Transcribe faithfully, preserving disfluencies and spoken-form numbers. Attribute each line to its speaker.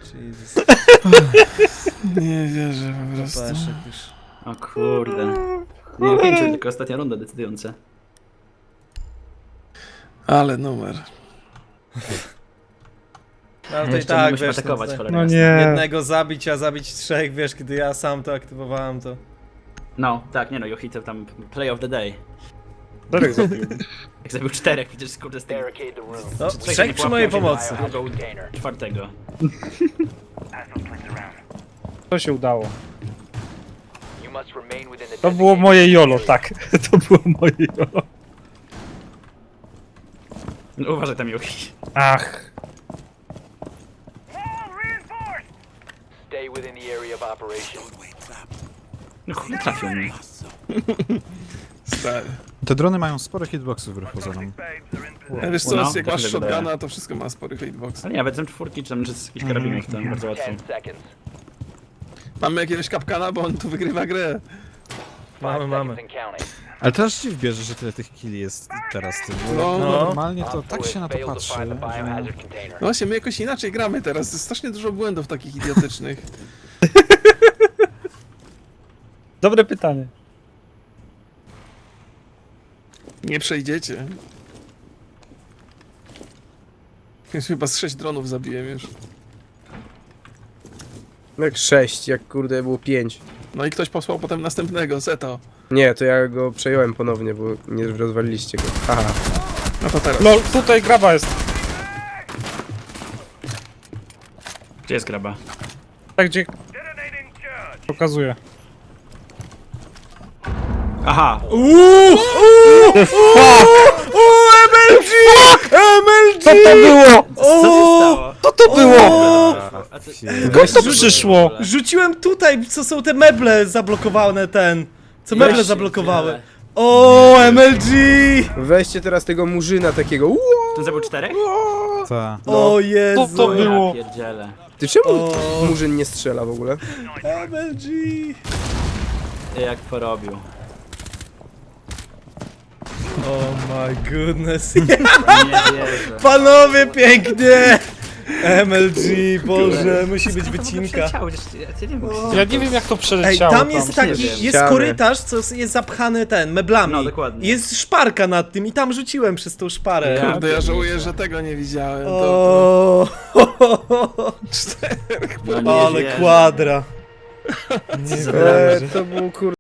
Speaker 1: Jesus.
Speaker 2: Nie wierzę po prostu.
Speaker 1: Peszek już.
Speaker 3: O kurde. Nie pięciu, tylko ostatnia runda decydująca.
Speaker 2: Ale numer.
Speaker 1: No, ale to i
Speaker 3: Jeszcze
Speaker 1: tak,
Speaker 3: musimy
Speaker 1: wiesz,
Speaker 3: atakować,
Speaker 1: no,
Speaker 3: cholera
Speaker 4: No
Speaker 3: jasna.
Speaker 4: nie.
Speaker 1: jednego zabić, a zabić trzech, wiesz, kiedy ja sam to aktywowałem, to...
Speaker 3: No, tak, nie no, Johito tam play of the day.
Speaker 4: Czterech zabił.
Speaker 3: Jak zabił czterech, przecież kurde z tego.
Speaker 1: No,
Speaker 3: Trzech
Speaker 1: trzech
Speaker 3: nie
Speaker 1: przy mojej
Speaker 3: połapał,
Speaker 1: pomocy.
Speaker 3: wziął czwartego.
Speaker 4: To się udało. To było moje jolo, tak. To było moje jolo.
Speaker 3: No, uważaj tam, Jochi.
Speaker 4: Ach.
Speaker 3: No kurde, trafił mnie.
Speaker 2: Stary.
Speaker 5: Te drony mają spore hitboxy wbrew pozorom.
Speaker 2: Ja wiesz
Speaker 3: No,
Speaker 2: co, jak
Speaker 3: też
Speaker 2: masz
Speaker 3: mi się wydaje.
Speaker 2: shotguna, to wszystko ma spory hitbox.
Speaker 3: Ale nie, nawet czwórki czy tam czy z jakichś karabinów, to bardzo łatwo.
Speaker 2: Mamy jakiegoś kapkana, bo on tu wygrywa grę.
Speaker 1: Mamy, mamy.
Speaker 5: Ale teraz się wbierze, że tyle tych killi jest teraz. Ty, bo
Speaker 2: No.
Speaker 5: normalnie to tak się na to patrzy, że...
Speaker 2: No właśnie, my jakoś inaczej gramy teraz. Jest strasznie dużo błędów takich idiotycznych.
Speaker 4: Dobre pytanie.
Speaker 2: Nie przejdziecie. Już chyba z sześć dronów zabiłem już.
Speaker 6: Jak sześć, jak kurde było pięć.
Speaker 2: No i ktoś posłał potem następnego, Zeto.
Speaker 6: Nie, to ja go przejąłem ponownie, bo nie rozwaliliście go. Haha.
Speaker 2: No to teraz.
Speaker 4: No tutaj graba jest.
Speaker 3: Gdzie jest graba?
Speaker 4: Tak gdzie... Pokazuję.
Speaker 3: Aha!
Speaker 1: Uuuu! Uuuu! M L G! M L G!
Speaker 4: Co to było?
Speaker 3: Co się stało?
Speaker 4: Co to było?
Speaker 3: A co...
Speaker 4: Skąd to przyszło?
Speaker 1: Rzuciłem tutaj, co są te meble zablokowane, ten... Co meble
Speaker 3: Weź się,
Speaker 1: zablokowały.
Speaker 3: tyle.
Speaker 1: O, M L G!
Speaker 6: Weźcie teraz tego murzyna takiego. Uuu,
Speaker 3: Tu zabił czterech?
Speaker 5: Ta.
Speaker 1: O Jezu!
Speaker 4: Co to było?
Speaker 3: Ja pierdzielę.
Speaker 6: ty czemu
Speaker 1: O.
Speaker 6: murzyn nie strzela w ogóle?
Speaker 1: M L G!
Speaker 3: Jak porobił.
Speaker 1: Oh my goodness.
Speaker 3: Nie wierzę.
Speaker 1: Panowie, pięknie! M L G, Boże, musi być wycinka.
Speaker 4: Ja nie wiem jak to
Speaker 1: Ej,
Speaker 4: przeleciało.
Speaker 1: tam jest taki,
Speaker 3: wiem.
Speaker 1: jest
Speaker 6: Ściany.
Speaker 1: korytarz, co jest zapchany ten, meblami.
Speaker 3: No, dokładnie.
Speaker 1: Jest szparka nad tym i tam rzuciłem przez tą szparę.
Speaker 3: Ja
Speaker 2: Kurde, ja żałuję, że tego nie widziałem. To,
Speaker 1: O,
Speaker 2: czterech.
Speaker 3: No nie
Speaker 1: ale
Speaker 3: wierzę.
Speaker 1: kwadra. Nie
Speaker 3: za
Speaker 1: wierzę.
Speaker 6: Eee, to był kurde.